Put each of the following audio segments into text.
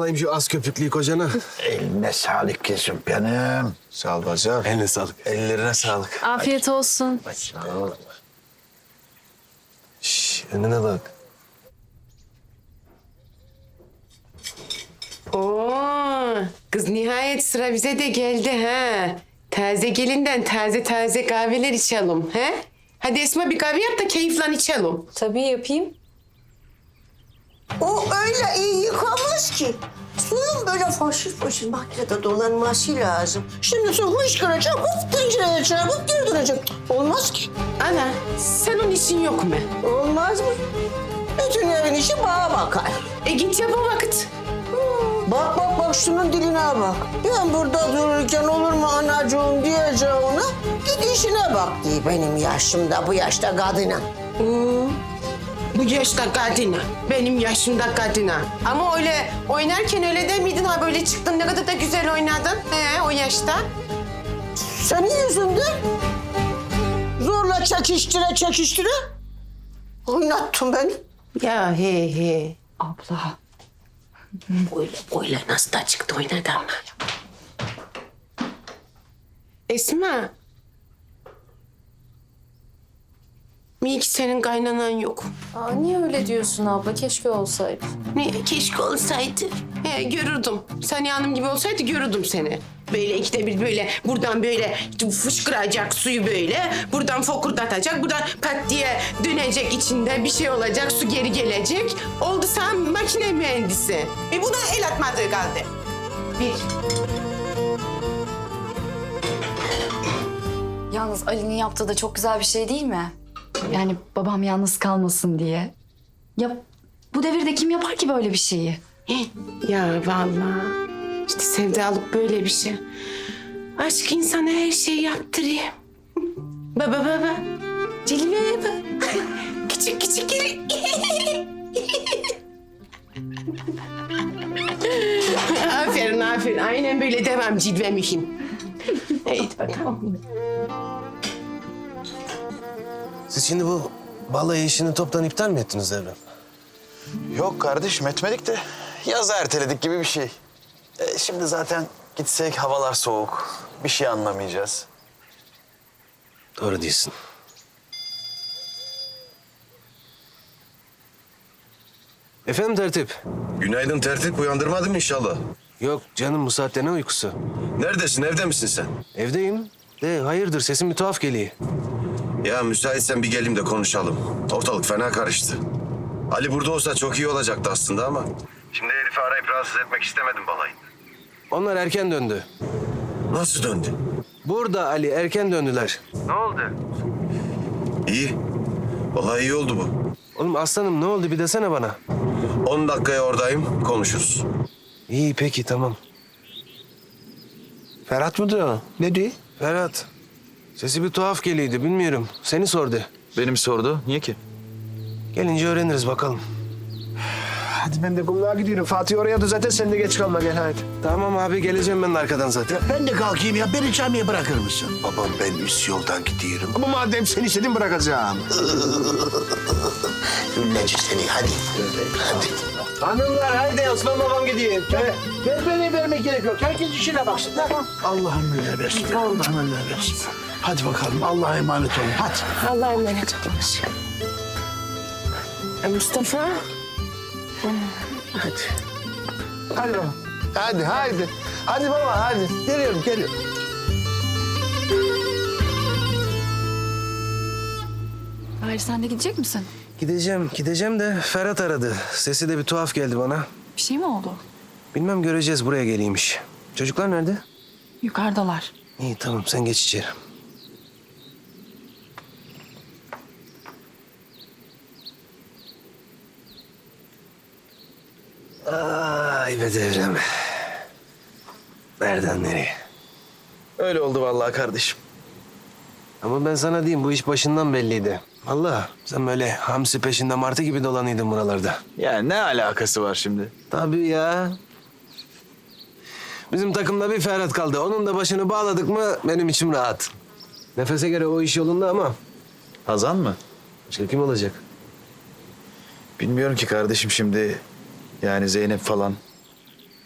alayım şu az köpüklüyü kocana. Eline sağlık kızım benim. Sağ ol bacım. Eline sağlık. Ellerine sağlık. Afiyet olsun. Sağ ol. Şş, önüne bak. Oo, kız nihayet sıra bize de geldi ha. Taze gelinden taze kahveler içelim ha. Hadi Esma bir kahve yap da keyifle içelim. Tabii yapayım. O öyle iyi yıkanmaz ki. Suyun böyle foşur foşur makinede dolanması lazım. Şimdi su hışkıracak, hop tencereye çarpıp geri dönecek. Olmaz ki. Ana sen onun için yok mu? Olmaz mı? Bütün evin işi bana bakar. Git yap o vakit. Bak bak bak şunun diline bak. Ben burada dururken olur mu anacığım diyeceğine git işine bak diye benim yaşımda bu yaşta kadına. Bu yaşta kadına, benim yaşımda kadına. Ama öyle oynarken öyle der miydin ha böyle çıktın ne kadar da güzel oynadın o yaşta. Senin yüzünden zorla çekiştire oynattın beni. Ya he. Abla. Öyle nasıl da çıktı oynadı ama. Esma. İyi ki senin kaynanan yok. Aa, niye öyle diyorsun abla? Keşke olsaydı. Ne keşke olsaydı. Görürdüm. Saniye Hanım gibi olsaydı görürdüm seni. Böyle ikide bir böyle buradan böyle fışkıracak suyu böyle. Buradan fokurdatacak. Buradan pat diye dönecek içinde bir şey olacak. Su geri gelecek. Oldu sen makine mühendisi. Buna el atmadığı kaldı. Bir. Yalnız Ali'nin yaptığı da çok güzel bir şey değil mi? Yani babam yalnız kalmasın diye. Ya bu devirde kim yapar ki böyle bir şeyi? Ya vallahi işte sevdalık böyle bir şey. Aşk insana her şeyi yaptırıyor. Baba. Cilveye bak. Küçük gel. aferin. Aynen böyle devam cilve mühim. Haydi bakalım. Siz şimdi bu balayı işini toptan iptal mi ettiniz Devrem? Yok kardeşim etmedik de yazı erteledik gibi bir şey. Şimdi zaten gitsek havalar soğuk. Bir şey anlamayacağız. Doğru değilsin. Efendim tertip? Günaydın tertip, uyandırmadım inşallah. Yok canım bu saatte ne uykusu? Neredesin, evde misin sen? Evdeyim. De hayırdır sesim bir tuhaf geliyor. Ya müsaitsen bir geleyim de konuşalım. Ortalık fena karıştı. Ali burada olsa çok iyi olacaktı aslında ama... Şimdi Elif'i arayıp rahatsız etmek istemedim balayı. Onlar erken döndü. Nasıl döndü? Burada Ali erken döndüler. İyi. Vallahi iyi oldu bu. Oğlum aslanım ne oldu bir desene bana. 10 dakikaya oradayım, konuşuruz. İyi peki tamam. Ferhat mı diyor? Ne diyor? Ferhat. Sesi bir tuhaf geliyordu bilmiyorum. Seni sordu. Benim sordu. Niye ki? Gelince öğreniriz bakalım. Hadi ben de kumluğa gidiyorum. Fatih oraya da zaten sen de geç kalma gel hadi. Tamam abi geleceğim ben de arkadan zaten. Ben de kalkayım ya. Beni camiye bırakır mısın? Babam ben üst yoldan gidiyorum. Ama madem sen istedin bırakacağım. Ünleci seni hadi. Hadi. Hanımlar hadi Osman babam gidiyor. Ben beni vermek gerek yok. Herkes işine baksın. Tamam. Allah'ım öyle versin. Allah'ım öyle versin. Hadi bakalım. Allah'a emanet olun. Hadi. Allah'a emanet olunuz. Mustafa. Hadi baba. Hadi. Hadi baba hadi. Geliyorum. Hayır sen de gidecek misin? Gideceğim de Ferhat aradı. Sesi de bir tuhaf geldi bana. Bir şey mi oldu? Bilmem göreceğiz buraya geliymiş. Çocuklar nerede? Yukarıdalar. İyi tamam sen geç içeri. Ay be Devrem. Nereden nereye? Öyle oldu vallahi kardeşim. Ama ben sana diyeyim bu iş başından belliydi. Vallahi sen böyle hamsi peşinde martı gibi dolanıydın buralarda. Ya ne alakası var şimdi? Tabii ya. Bizim takımda bir Ferhat kaldı. Onun da başını bağladık mı benim içim rahat. Nefese göre o iş yolunda ama Hazan mı? başka kim olacak? Bilmiyorum ki kardeşim şimdi. Yani Zeynep falan.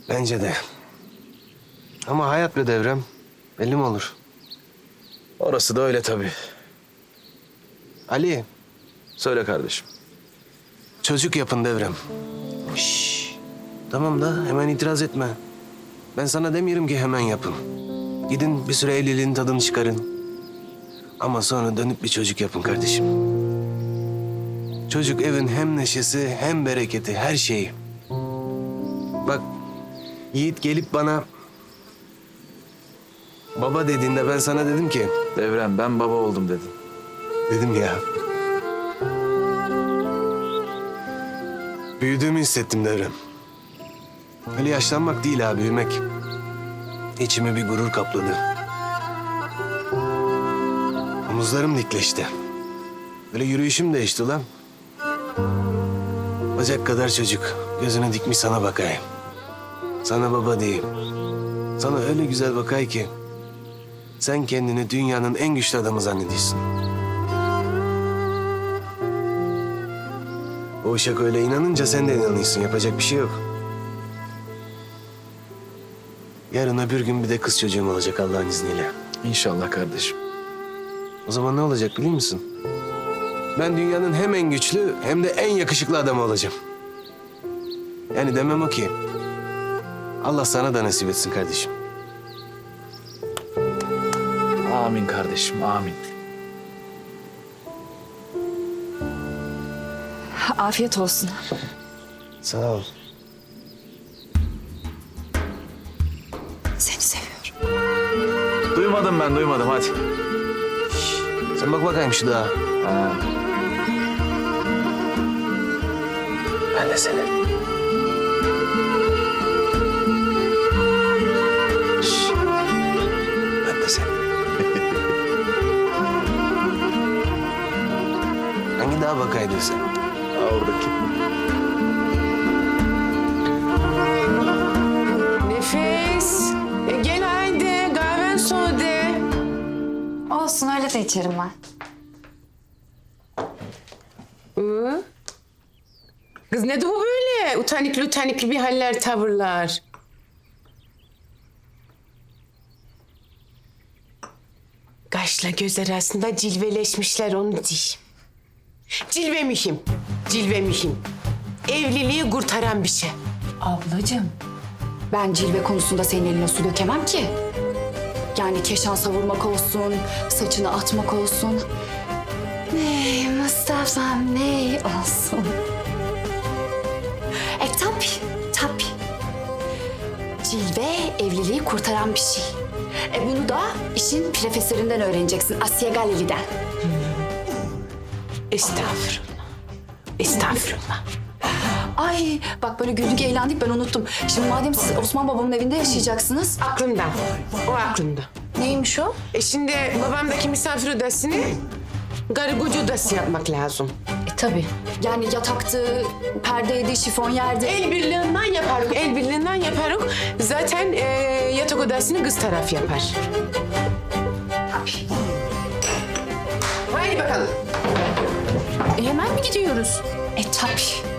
Bence de. Ama hayat be Devrem. Belli mi olur? Orası da öyle tabii. Ali, Söyle kardeşim. çocuk yapın Devrem. Tamam da hemen itiraz etme. Ben sana demiyorum ki hemen yapın. Gidin bir süre evliliğin tadını çıkarın. Ama sonra dönüp bir çocuk yapın kardeşim. Çocuk evin hem neşesi hem bereketi, her şeyi. Bak, Yiğit gelip bana baba dediğinde ben sana dedim ki... Devrem ben baba oldum dedin. Dedim ya. Büyüdüğümü hissettim Devrem. Öyle yaşlanmak değil ha, büyümek. İçimi bir gurur kapladı. Omuzlarım dikleşti. Böyle yürüyüşüm değişti ulan. Bacak kadar çocuk. Gözünü dikmiş sana bakayım. Sana baba diyeyim. Sana öyle güzel bakay ki... sen kendini dünyanın en güçlü adamı zannediyorsun. O uşak öyle inanınca sen de inanıyorsun. Yapacak bir şey yok. Yarın öbür gün bir de kız çocuğum olacak Allah'ın izniyle. İnşallah kardeşim. O zaman ne olacak biliyor musun? Ben dünyanın hem en güçlü hem de en yakışıklı adamı olacağım. Yani demem o ki... Allah sana da nasip etsin kardeşim. Amin kardeşim, amin. Afiyet olsun. Sağ ol. Seni seviyorum. Duymadım hadi. Sen bak bakayım şu dağa. Ha. Ben de seni. Şş. Ben de seni. Hangi dağa bakaydın sen? Oradaki. Nefes. Gel haydi kahven soğudu. Olsun öyle de içerim ben. Kız ne bu böyle? Utanikli bir haller, tavırlar. Kaşla göz arasında cilveleşmişler onu diyeyim. Cilve mühim, cilve mühim. Evliliği kurtaran bir şey. Ablacığım, ben cilve konusunda senin eline su dökemem ki. Yani keşan savurmak olsun, saçını atmak olsun. Ney Mustafa'm ney olsun. Tabii. Cilve evliliği kurtaran bir şey. Bunu da işin profesöründen öğreneceksin, Asya Galili'den. Estağfurullah. Ay bak böyle güldük eğlendik ben unuttum. Şimdi madem siz Osman babamın evinde yaşayacaksınız. Aklımda, o aklımda. Neymiş o? Şimdi babamdaki misafir odasını karı koca odası yapmak lazım. Tabii. Yani yataktı, perdeydi, şifonyerdi. El birliğinden yaparız. Zaten yatak odasını kız taraf yapar. Haydi bakalım. Hemen mi gidiyoruz? Tabii.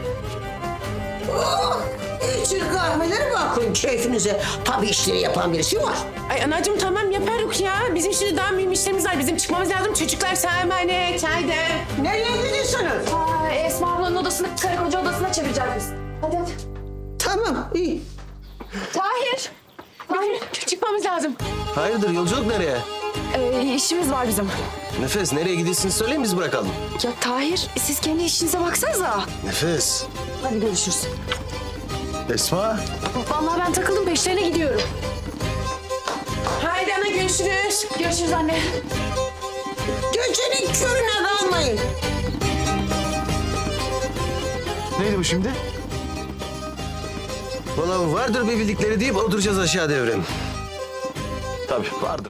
İçin kahveleri bakın keyfinize. Tabii işleri yapan birisi var. Ay anacığım tamam yaparız ya. Bizim şimdi daha mühim işlerimiz var. Bizim çıkmamız lazım. Çocuklar sana emanet. Haydi. Nereye gidiyorsunuz? Esma ablanın odasını karı koca odasına çevireceğiz biz. Hadi. Tamam iyi. Tahir. Çıkmamız lazım. Hayırdır, yolculuk nereye? İşimiz var bizim. Nefes, nereye gidiyorsun söyleyin biz bırakalım. Ya Tahir siz kendi işinize baksanıza. Nefes. Hadi görüşürüz. Esma. Vallahi ben takıldım peşlerine gidiyorum. Haydi ana görüşürüz. Görüşürüz anne. Gecenin körüne kalmayın. Neydi bu şimdi? Vallahi vardır bir bildikleri deyip oturacağız aşağı Devrem. Tabii vardır.